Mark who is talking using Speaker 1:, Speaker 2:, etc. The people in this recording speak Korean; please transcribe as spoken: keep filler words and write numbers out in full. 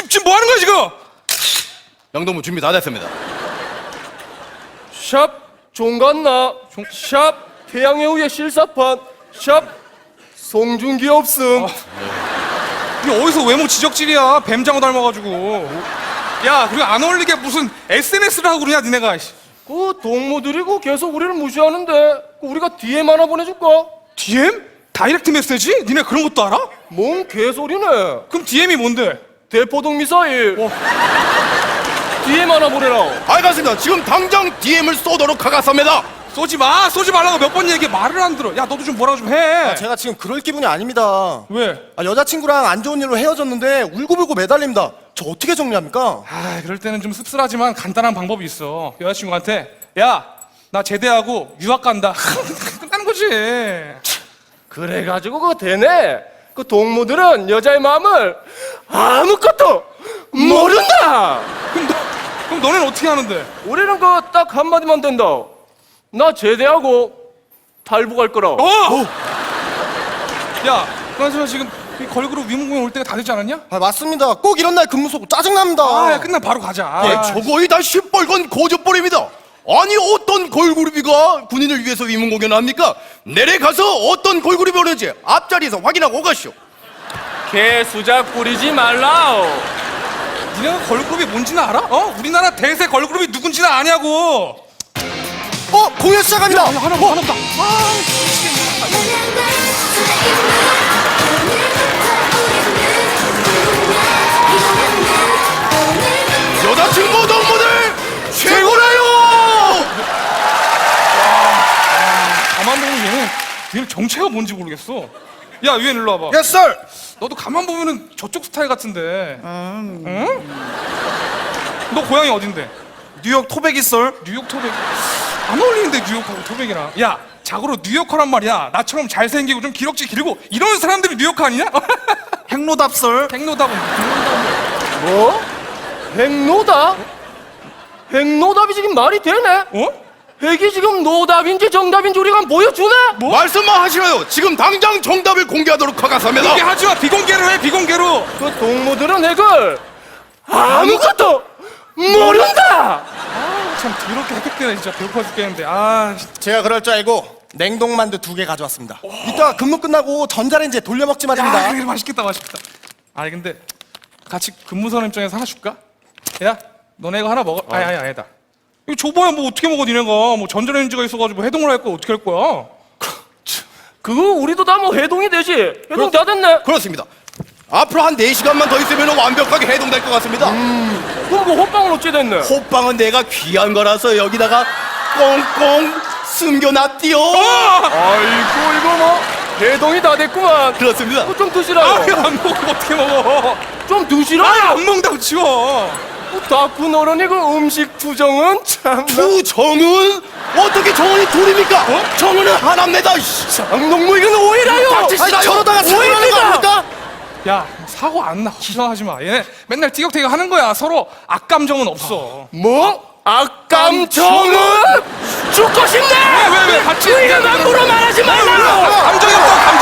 Speaker 1: 지금 뭐 하는 거야 지금?
Speaker 2: 영동무 준비 다 됐습니다.
Speaker 3: 샵 종갓나 샵 태양의 후예 실사판 샵 송중기 없음.
Speaker 1: 이게 어디서 외모 지적질이야? 뱀장어 닮아가지고. 야, 그리고 안 어울리게 무슨 에스엔에스를 하고 그러냐 니네가.
Speaker 3: 그 동무들이고 계속 우리를 무시하는데 그 우리가 디엠 하나 보내줄까?
Speaker 1: 디엠? 다이렉트 메시지? 니네 그런 것도 알아?
Speaker 3: 뭔 개소리네.
Speaker 1: 그럼 디엠이 뭔데?
Speaker 3: 대포동 미사일. 디엠 하나 보내라.
Speaker 2: 알겠습니다. 지금 당장 디엠을 쏘도록 하겠습니다.
Speaker 1: 쏘지 마! 쏘지 말라고 몇 번 얘기해. 말을 안 들어. 야, 너도 좀 뭐라고 좀 해.
Speaker 4: 제가 지금 그럴 기분이 아닙니다.
Speaker 1: 왜?
Speaker 4: 아, 여자친구랑 안 좋은 일로 헤어졌는데 울고불고 매달립니다. 저 어떻게 정리합니까?
Speaker 1: 아, 그럴 때는 좀 씁쓸하지만 간단한 방법이 있어. 여자친구한테 야, 나 제대하고 유학 간다. 끝나는 거지.
Speaker 3: 그래가지고 그거 되네. 그 동무들은 여자의 마음을 아무것도 모른다.
Speaker 1: 그럼, 너, 그럼 너네는 어떻게 하는데?
Speaker 3: 우리는 그 딱 한마디만 된다. 나 제대하고 탈북 갈 거라.
Speaker 1: 어! 야, 그나저나 지금 이 걸그룹 위문공연 올 때가 다 되지 않았냐?
Speaker 4: 아, 맞습니다. 꼭 이런 날 근무 쏘고 짜증납니다.
Speaker 1: 아, 야, 끝나 바로 가자.
Speaker 2: 예,
Speaker 1: 아,
Speaker 2: 저거이 다 시뻘건 고조벌입니다. 아니 어떤 걸그룹이가 군인을 위해서 위문 공연을 합니까? 내려가서 어떤 걸그룹이 오는지 앞자리에서 확인하고 오가시오.
Speaker 3: 개 수작 부리지 말라.
Speaker 1: 니네가 걸그룹이 뭔지는 알아? 어? 우리나라 대세 걸그룹이 누군지는 아냐고.
Speaker 4: 어, 공연 시작합니다.
Speaker 1: 야, 하나 봐, 하나 봐.
Speaker 2: 여자친구 동무들 최고라요.
Speaker 1: 가만 보면 얘는 얘는 정체가 뭔지 모르겠어. 야, 유엔 일로 와봐.
Speaker 2: Yes sir.
Speaker 1: 너도 가만 보면은 저쪽 스타일 같은데. 응? 너 고향이 어딘데?
Speaker 2: 뉴욕 토백이 썰.
Speaker 1: 뉴욕 토백. 안 어울리는데 뉴욕하고 토백이랑. 야, 자고로 뉴욕커란 말이야. 나처럼 잘생기고 좀 기럭지 길고 이런 사람들이 뉴욕커 아니냐?
Speaker 2: 행로답 썰.
Speaker 1: 백노답은
Speaker 3: 뭐? 핵노답? 핵노답이 지금 말이 되네?
Speaker 1: 어?
Speaker 3: 핵이 지금 노답인지 정답인지 우리가 한번 보여주네?
Speaker 2: 뭐? 말씀만 하시라요. 지금 당장 정답을 공개하도록 하겠습니다.
Speaker 1: 공개 하지 마. 비공개로 해. 비공개로.
Speaker 3: 그 동무들은 핵을 아무것도 모른다!
Speaker 1: 참 더럽게 획득되네 진짜. 배고파 죽겠는데. 아,
Speaker 4: 제가 그럴 줄 알고 냉동만두 두 개 가져왔습니다. 이따 근무 끝나고 전자레인지에 돌려먹지 말입니다.
Speaker 1: 야, 그래, 맛있겠다, 맛있겠다. 아니 근데 같이 근무선 입장에서 하나 줄까? 야, 너네 이거 하나 먹어. 아니 아니 아니다. 이거 줘봐야 뭐 어떻게 먹어 니네가. 뭐 전자레인지가 있어가지고 해동을 할 거야. 어떻게 할 거야?
Speaker 3: 그거 우리도 다 뭐 해동이 되지? 해동 다 됐네?
Speaker 2: 그렇습니다. 앞으로 한 네 시간만 더 있으면 완벽하게 해동될 것 같습니다.
Speaker 3: 그럼 그 호빵은 어찌 됐네?
Speaker 2: 호빵은 내가 귀한 거라서 여기다가 꽁꽁 숨겨놨디요.
Speaker 3: 아이고 이거 뭐 해동이 다 됐구만.
Speaker 2: 그렇습니다.
Speaker 3: 그거 좀
Speaker 1: 아,
Speaker 3: 드시라요.
Speaker 1: 이거 안 먹어. 어떻게 먹어?
Speaker 3: 좀
Speaker 1: 아,
Speaker 3: 드시라요.
Speaker 1: 안 먹는다고 치워.
Speaker 3: 닭군 어른이 그 음식 투정은 참.
Speaker 2: 투정은 어떻게 정은이 둘입니까? 정은은 하나입니다.
Speaker 3: 장동무 이건 오해라요.
Speaker 2: 닥치시라요.
Speaker 4: 저러다가 사고나는 거
Speaker 3: 오해입니다.
Speaker 4: 아닙니까?
Speaker 1: 야, 사고 안 나. 걱정하지 마. 얘네 맨날 티격태격 하는 거야. 서로 악감정은 없어.
Speaker 3: 뭐? 악감정은 죽고 싶네.
Speaker 1: 왜, 왜, 왜? 같이
Speaker 3: 의견 함부로 말하지 말라고.
Speaker 1: 감정이 없어. 감정.